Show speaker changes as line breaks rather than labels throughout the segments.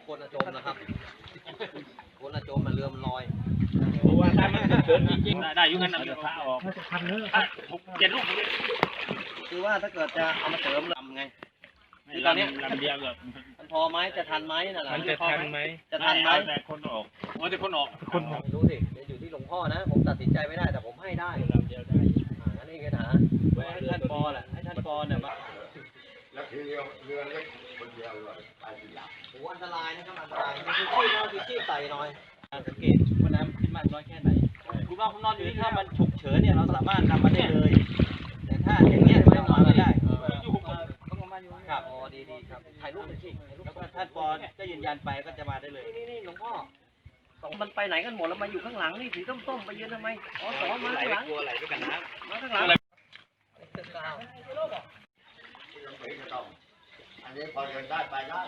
คนจมนะครับคนจมมันเรือมันลอย
เพราะว่าถ้ามันเกิดจริงๆได้ยุ่งกันนำเดี๋ยวพระออก7 ลูก
คือว่าถ้าเกิดจะเอามาเสริมลำไงคือตอนนี้
ลำเดียวแบบ
มันพอไหมจะทันไหมนั่นแหละ
มันจะทันไหม
จะทันไหม
แต่คนออกแต่คนออก
ไม่รู้สิอยู่ที่หลวงพ่อนะผมตัดสินใจไม่ได้แต่ผมให้ได้
ลำเดียวได้
นั่นเองนะให้ท่านปอแหละให้ท่านปอเนี่ยมา
แล้วคือเรือเล็กคนเดียวเลยไปทีหลัง
โอ้อันตรายนะครับอันตรายคือชีพใส่หน่อยสังเกตว่าน้ำขึ้นมากน้อยแค่ไหนคุณว่าผมนอนอยู่นี่ถ้ามันฉุกเฉินเนี่ยเราสามารถนำมาได้เลยแต่ถ้าอย่างเงี้ยไม่มาไม่ได้ครับอ๋อดีครับถ่ายรูปหน่อยสิแล้วก็ท่านปอก็ยืนยันไปก็จะมาได้เลยนี่หลวงพ่อสองมันไปไหนกันหมดแล้วมาอยู่ข้างหลังนี่สีส้มๆไปยืนทำไมอ๋อสองมาข้างหลัง
กลัวไหลด้วยกันนะ
มาข้างหลัง
อันนี้พอเดินได้ไปได้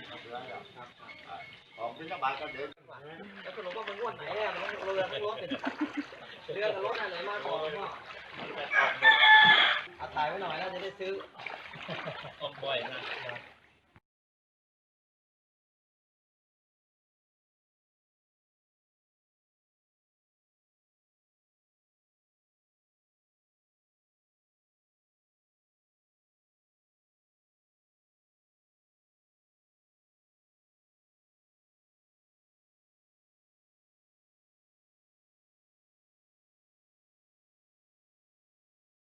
ของพิณบาตก็เดิน
แล้วคุณหลวงพ่อมันงวดไหนเนี่ยมันเรือกับรถอะไรมาก่อนหลวงพ่อเอาถ่ายไว้หน่อยแล้วจะได้ซื้อ
ออกบ่อยนะ